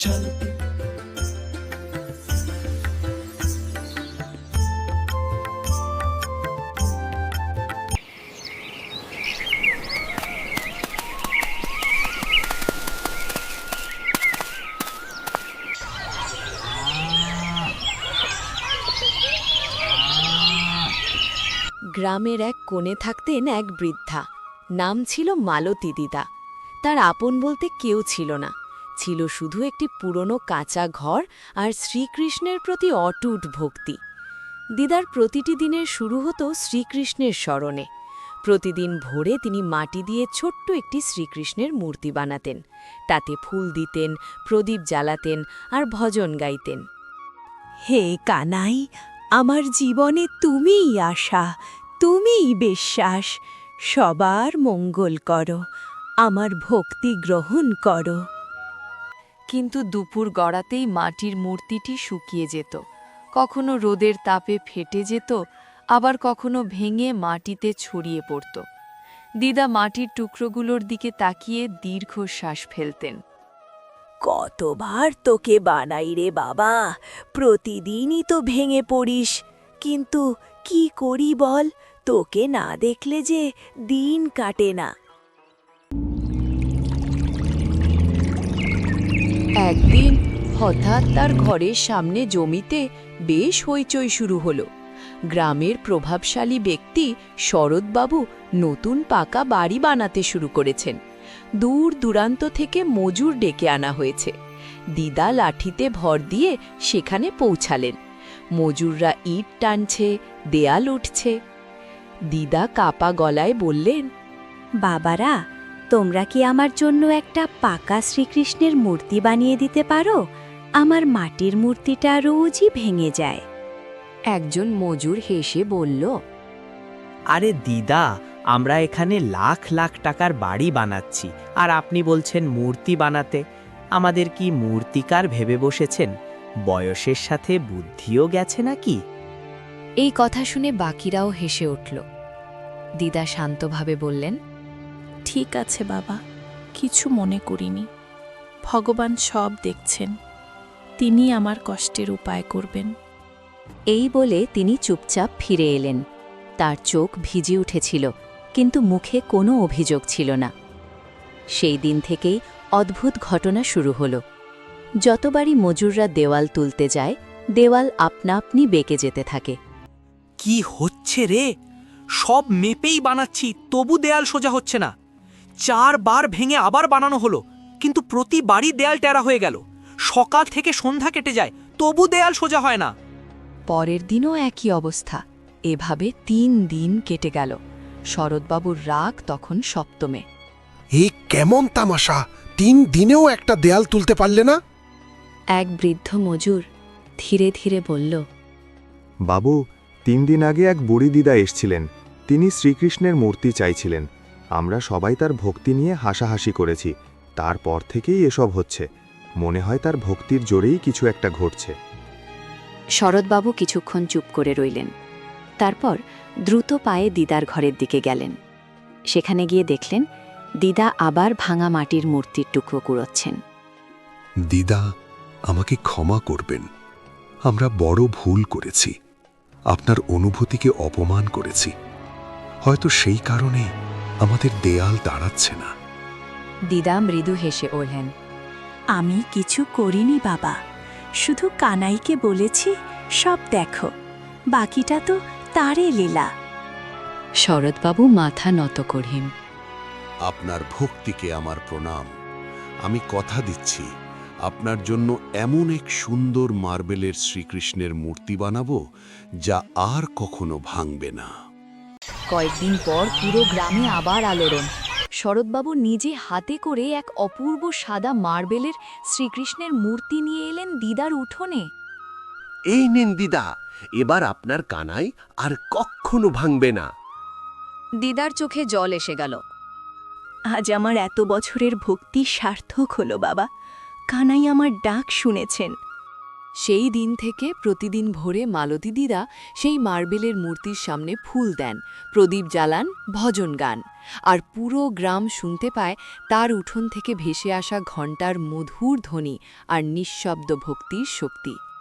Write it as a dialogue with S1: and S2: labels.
S1: গ্রামের এক কোণে থাকতেন এক বৃদ্ধা। নাম ছিল মালতী দিদা। তার আপন বলতে কেউ ছিল না, ছিল শুধু একটি পুরনো কাঁচা ঘর আর শ্রীকৃষ্ণের প্রতি অটুট ভক্তি। দিদার প্রতিটি দিনের শুরু হতো শ্রীকৃষ্ণের স্মরণে। প্রতিদিন ভোরে তিনি মাটি দিয়ে ছোট্ট একটি শ্রীকৃষ্ণের মূর্তি বানাতেন, তাতে ফুল দিতেন, প্রদীপ জ্বালাতেন আর ভজন গাইতেন।
S2: হে কানাই, আমার জীবনে তুমিই আশা, তুমিই বিশ্বাস। সবার মঙ্গল করো, আমার ভক্তি গ্রহণ করো।
S1: কিন্তু দুপুর গড়াতেই মাটির মূর্তিটি শুকিয়ে যেত, কখনো রোদের তাপে ফেটে যেত, আবার কখনো ভেঙে মাটিতে ছড়িয়ে পড়ত। দিদা মাটির টুকরোগুলোর দিকে তাকিয়ে দীর্ঘশ্বাস ফেলতেন।
S2: কতবার তোকে বানাই রে বাবা, প্রতিদিনই তো ভেঙে পড়িস। কিন্তু কি করি বল, তোকে না দেখলে যে দিন কাটে না।
S1: একদিন হঠাৎ তার ঘরের সামনে জমিতে বেশ হইচই শুরু হলো। গ্রামের প্রভাবশালী ব্যক্তি শরৎবাবু নতুন পাকা বাড়ি বানাতে শুরু করেছেন। দূর দূরান্ত থেকে মজুর ডেকে আনা হয়েছে। দিদা লাঠিতে ভর দিয়ে সেখানে পৌঁছালেন। মজুররা ইট টানছে, দেয়াল উঠছে। দিদা কাপা গলায় বললেন,
S2: বাবারা, তোমরা কি আমার জন্য একটা পাকা শ্রীকৃষ্ণের মূর্তি বানিয়ে দিতে পারো? আমার মাটির মূর্তিটা রোজই ভেঙে যায়।
S1: একজন মজুর হেসে বলল,
S3: আরে দিদা, আমরা এখানে লাখ লাখ টাকার বাড়ি বানাচ্ছি, আর আপনি বলছেন মূর্তি বানাতে? আমাদের কি মূর্তিকার ভেবে বসেছেন? বয়সের সাথে বুদ্ধিও গেছে নাকি?
S1: এই কথা শুনে বাকিরাও হেসে উঠল। দিদা শান্তভাবে বললেন,
S4: ঠিক আছে বাবা, কিছু মনে করিনি। ভগবান সব দেখছেন, তিনি আমার কষ্টের উপায় করবেন।
S1: এই বলে তিনি চুপচাপ ফিরে এলেন। তার চোখ ভিজে উঠেছিল, কিন্তু মুখে কোনো অভিযোগ ছিল না। সেই দিন থেকেই অদ্ভুত ঘটনা শুরু হল। যতবারই মজুররা দেওয়াল তুলতে যায়, দেওয়াল আপনা আপনি বেঁকে যেতে থাকে।
S3: কি হচ্ছে রে? সব মেপেই বানাচ্ছি, তবু দেয়াল সোজা হচ্ছে না। 4 বার ভেঙে আবার বানানো হলো, কিন্তু প্রতিবারই দেয়াল টেরা হয়ে গেল। সকাল থেকে সন্ধ্যা কেটে যায়, তবু দেয়াল সোজা হয় না।
S1: পরের দিনও একই অবস্থা। এভাবে 3 দিন কেটে গেল। শরৎবাবুর রাগ তখন সপ্তমে।
S5: এই কেমন তামাশা, 3 দিনেও একটা দেয়াল তুলতে পারলে না?
S1: এক বৃদ্ধ মজুর ধীরে ধীরে বলল,
S6: বাবু, 3 দিন আগে এক বুড়ি দিদা এসছিলেন। তিনি শ্রীকৃষ্ণের মূর্তি চাইছিলেন। আমরা সবাই তার ভক্তি নিয়ে হাসাহাসি করেছি। তারপর থেকেই এসব হচ্ছে। মনে হয় তার ভক্তির জোরেই কিছু একটা ঘটছে।
S1: শরৎবাবু কিছুক্ষণ চুপ করে রইলেন। তারপর দ্রুত পায়ে দিদার ঘরের দিকে গেলেন। সেখানে গিয়ে দেখলেন দিদা আবার ভাঙা মাটির মূর্তির টুকরো কুড়োচ্ছেন।
S5: দিদা, আমাকে ক্ষমা করবেন। আমরা বড় ভুল করেছি, আপনার অনুভূতিকে অপমান করেছি। হয়তো সেই কারণে আমাদের দেয়াল দাঁড়াচ্ছে না।
S1: দিদা মৃদু হেসে ওঠেন।
S2: আমি কিছু করিনি বাবা, শুধু কানাইকে বলেছি সব দেখো, বাকিটা তো তারে লীলা।
S1: শরৎবাবু মাথা নত করেন।
S7: আপনার ভক্তিকে আমার প্রণাম। আমি কথা দিচ্ছি, আপনার জন্য এমন এক সুন্দর মার্বেলের শ্রীকৃষ্ণের মূর্তি বানাবো যা আর কখনো ভাঙবে না।
S1: কয়েকদিন পর পুরো গ্রামে আবার আলোড়ন। শরৎবাবু নিজে হাতে করে এক অপূর্ব সাদা মার্বেলের শ্রীকৃষ্ণের মূর্তি নিয়ে এলেন দিদার উঠোনে।
S8: এই নিন দিদা, এবার আপনার কানাই আর কখনো ভাঙবে না।
S1: দিদার চোখে জল এসে গেল।
S2: আজ আমার এত বছরের ভক্তি সার্থক হলো বাবা। কানাই আমার ডাক শুনেছেন।
S1: সেই দিন থেকে প্রতিদিন ভোরে মালতী দিদা সেই মার্বেলের মূর্তির সামনে ফুল দেন, প্রদীপ জ্বালান, ভজন গান। আর পুরো গ্রাম শুনতে পায় তার উঠোন থেকে ভেসে আসা ঘণ্টার মধুর ধ্বনি আর নিঃশব্দ ভক্তির শক্তি।